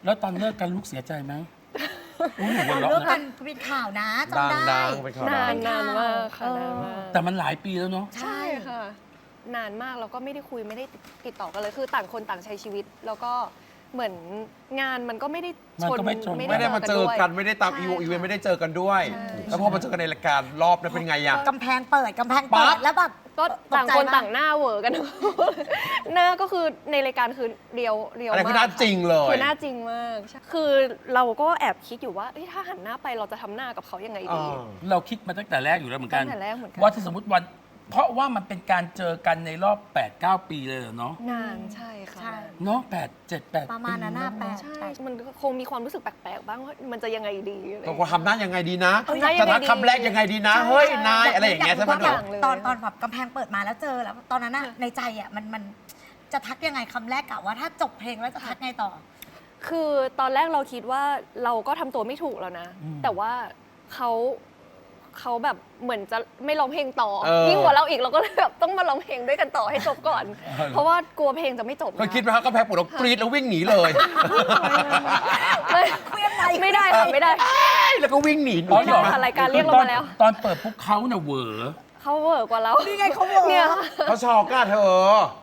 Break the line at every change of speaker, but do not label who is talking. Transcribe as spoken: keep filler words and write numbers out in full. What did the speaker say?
แล้วตอนเลิกกันลูกเสียใจไหมอุ้ยหนูหัวเราะ
เลิกกั
นะ
นเป็นข่าวนะ
ดั
จำ
ง
ได้
ดังเป็นข่าวดั
นาง นนานมากค่ะ
เออ
นานมาก
แต่มันหลายปีแล้วเนาะ
ใช่ค่ะ นานมากแล้วก็ไม่ได้คุยไม่ได้ติดต่อกันเลยคือต่างคนต่างใช้ชีวิต แล้วก็เหมือนงานมันก็ไม่ได้ชน
ไม่ได้มาเจอกันไม่ได้ตาม
ใช่
อีวอีเวนต์
ค่ะ
ไม่ได้เจอกันด้วย
ใช่
แล้วพอมาเจอกันในรายการรอบนั้นเป็นไงอะ
กำแพงเปิดกำแพง
ปั๊
เปิ
บ
ดแล้วแบบ
ก็ต่างคน
ตกใจมาก
ต่างหน้าเหวอกัน หน้าก็คือในรายการคือเรียวเรียว
อันนั้น
มาก
คือหน้าจริงเลย
คือหน้าจริงมากใช่คือเราก็แอบคิดอยู่ว่าเอ้ยถ้าหันหน้าไปเราจะทำหน้ากับเขายังไง
เอ
ดี
อ
เราคิดมาตั้งแต่แรกอยู่แล้วเหมือนกัน
ตั้งแต่แรกเหมือนกัน
ว่าถ้าสมมติวัน เพราะว่ามันเป็นการเจอกันในรอบ แปดเก้า ปีเลยเหรอเนาะ
นานใช่ค่ะ
ใช่
เนาะแปด เจ็ด แปด
ประมาณนั้นน่ะ
ปี
แปด
ใช่ มันคงมีความรู้สึกแปลกๆ บ้างว่ามันจะยังไงดีอะไร
เราควรทำหน้ายังไงดีนะ
ทำหน้ายั
จะ
งไง
ทัก
ดี
คำแรกยังไงดีนะ เฮ้ย นาย อะไรอย่างเงี้ยใช่ไหม
อ
หนู
กรู้ว่า
เลย
ตอนตอนแบบกำแพงเปิดมาแล้วเจอแล้ว ตอนนั้นน่ะในใจอ่ะมันมันจะทักยังไงคำแรกกะว่าถ้าจบเพลงแล้วจะทักไงต่อ
คือตอนแรกเราคิดว่าเราก็ทำตัวไม่ถูกแล้วนะ แต่ว่าเขาเขาแบบเหมือนจะไม่ร้องเพลงต่อ
เออ
ยิ่งกว่าเราอีกเราก็เลยแบบต้องมาร้องเพลงด้วยกันต่อให้จบก่อน เพราะว่ากลัวเพลงจะไม่จบ
เคยคิดไหมครับก็แพ้ปวดแล้วกรี๊ดแล้ววิ่งหนีเลย
ไม่
เครื่องใน
ไม่ได้ค่ะไม่ได้
แล้วก็วิ่งหนีหนู
อ๋อ
คิ
เหร
ด
อ
ไหม
ค่ะรายการเรียกเรามาแล้ว
ตอนเปิดปุ๊บเขาน่ะเหวอ
เขาเวอร์กว่าเรา
นี่ไงเขาบอก
เนี่ย
เขาชอกอะเธอ